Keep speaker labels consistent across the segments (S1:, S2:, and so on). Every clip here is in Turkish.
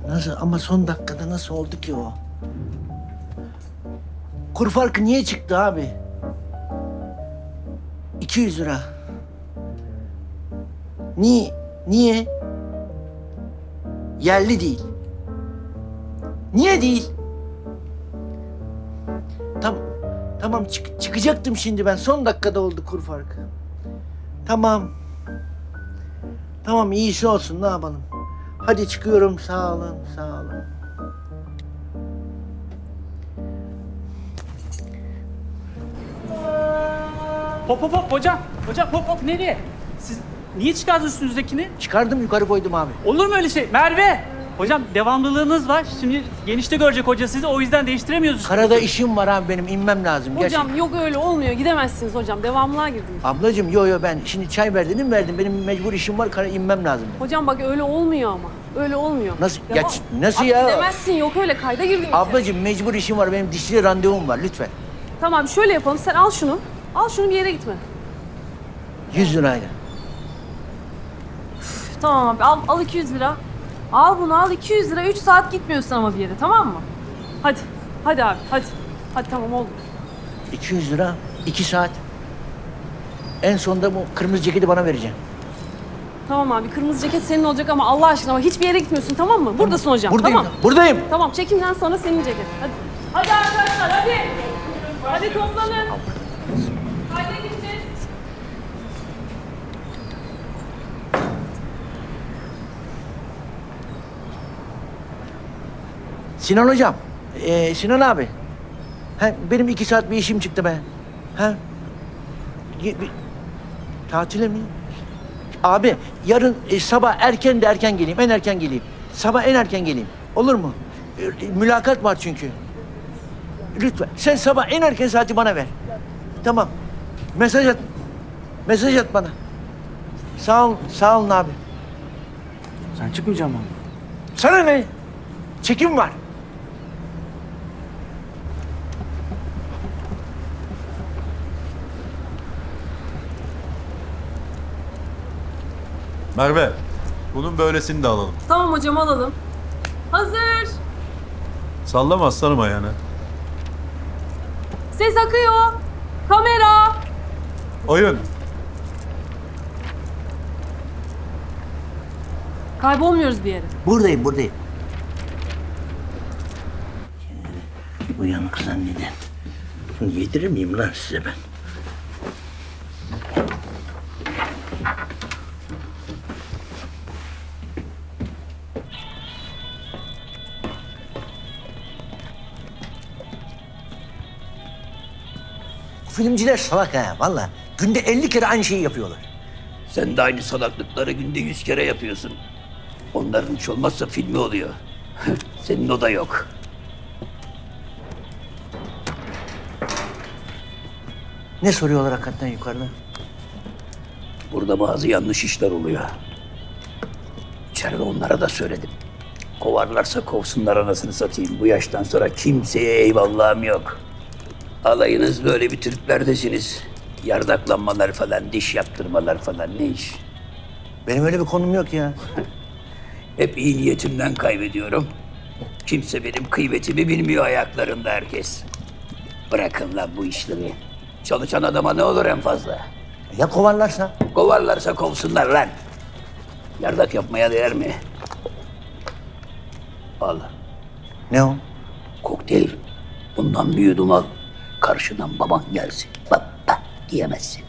S1: Nasıl ama son dakikada nasıl oldu ki o? Kur farkı niye çıktı abi? 200 lira. Niye? Niye? Yerli değil. Niye değil? Tamam çıkacaktım şimdi ben. Son dakikada oldu kur farkı. Tamam. Tamam iyisi olsun ne yapalım. Hadi çıkıyorum sağ olun sağ olun.
S2: Hop hop hop hocam. Hocam hop hop nereye? Siz niye çıkardınız üstünüzdekini?
S1: Çıkardım yukarı koydum abi.
S2: Olur mu öyle şey? Merve! Hocam devamlılığınız var. Şimdi genişte görecek hoca sizi. O yüzden değiştiremiyoruz.
S1: Karada işim var abi benim inmem lazım.
S3: Hocam yok öyle olmuyor. Gidemezsiniz hocam. Devamlığa girdiniz.
S1: Ablacığım yo ben şimdi çay verdin verdim. Benim mecbur işim var kara inmem lazım. Benim.
S3: Hocam bak öyle olmuyor ama. Öyle olmuyor.
S1: Nasıl?
S3: Devam.
S1: Nasıl
S3: Bak,
S1: ya?
S3: Gidemezsin yok öyle. Kayda girdin.
S1: Ablacığım mecbur işim var. Benim dişçiyle randevum var lütfen.
S3: Tamam şöyle yapalım. Sen al şunu. Al şunu bir yere gitme.
S1: 100 lirayla.
S3: Üf, tamam abi al 200 lira. Al bunu al 200 lira. 3 saat gitmiyorsun ama bir yere tamam mı? Hadi. Hadi abi hadi. Hadi tamam oldu.
S1: 200 lira 2 saat. En sonunda bu kırmızı ceketi bana vereceksin.
S3: Tamam abi kırmızı ceket senin olacak ama Allah aşkına bak hiçbir yere gitmiyorsun tamam mı? Buradasın hocam
S1: Buradayım.
S3: tamam.
S1: Buradayım.
S3: Tamam çekimden sonra senin ceket. Hadi. Hadi arkadaşlar hadi. Hadi toplanın. Haydi gideceğiz.
S1: Sinan hocam. Sinan abi. Benim 2 saat bir işim çıktı be. Tatile mi? Abi yarın sabah erken de erken geleyim. En erken geleyim. Sabah en erken geleyim. Olur mu? Mülakat var çünkü. Lütfen. Sen sabah en erken saati bana ver. Tamam. Mesaj at. Mesaj at bana. Sağ olun abi.
S2: Sen çıkmayacaksın mı?
S1: Sana ne? Çekim var.
S4: Merve, bunun böylesini de alalım.
S3: Tamam hocam alalım. Hazır.
S4: Sallama aslanım ayağını.
S3: Ses akıyor. Kamera.
S4: Oyun.
S3: Kaybolmuyoruz bir yere.
S1: Buradayım. Uyanık zannedin. Bunu yedirir miyim lan size ben? Filmciler salak ha vallahi. Günde 50 kere aynı şeyi yapıyorlar.
S5: Sen de aynı salaklıkları günde 100 kere yapıyorsun. Onların hiç olmazsa filmi oluyor. Senin o da yok.
S1: Ne soruyorlar hakikaten yukarıda?
S5: Burada bazı yanlış işler oluyor. İçeride onlara da söyledim. Kovarlarsa kovsunlar anasını satayım. Bu yaştan sonra kimseye eyvallahım yok. Alayınız böyle bir Türklerdesiniz. Yardaklanmalar falan, diş yaptırmalar falan ne iş?
S1: Benim öyle bir konum yok ya.
S5: Hep iyi niyetimden kaybediyorum. Kimse benim kıymetimi bilmiyor ayaklarında herkes. Bırakın lan bu işleri. Çalışan adama ne olur en fazla?
S1: Ya kovarlarsa?
S5: Kovarlarsa kovsunlar lan. Yardak yapmaya değer mi? Al.
S1: Ne o?
S5: Kokteyl. Bundan bir yudum al. Karşıdan baban gelsin. Baba diyemezsin.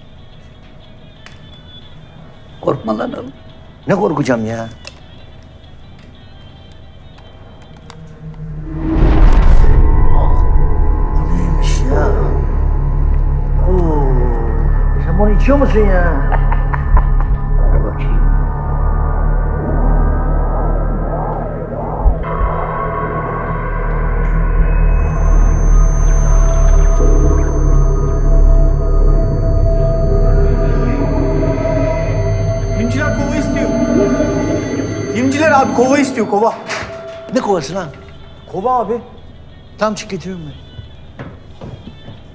S5: Korkma lan oğlum.
S1: Ne korkacağım ya? Bu neymiş ya? Oo. Sen bunu içiyor musun ya?
S5: Ver bakayım.
S6: Filmciler kova istiyor. Filmciler abi kova istiyor kova.
S1: Ne kovası lan?
S6: Kova abi.
S1: Tam çık getiriyorum ben.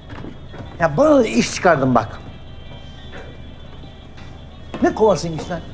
S1: Ya bana da iş çıkardın bak. Ne kovasıymış lan?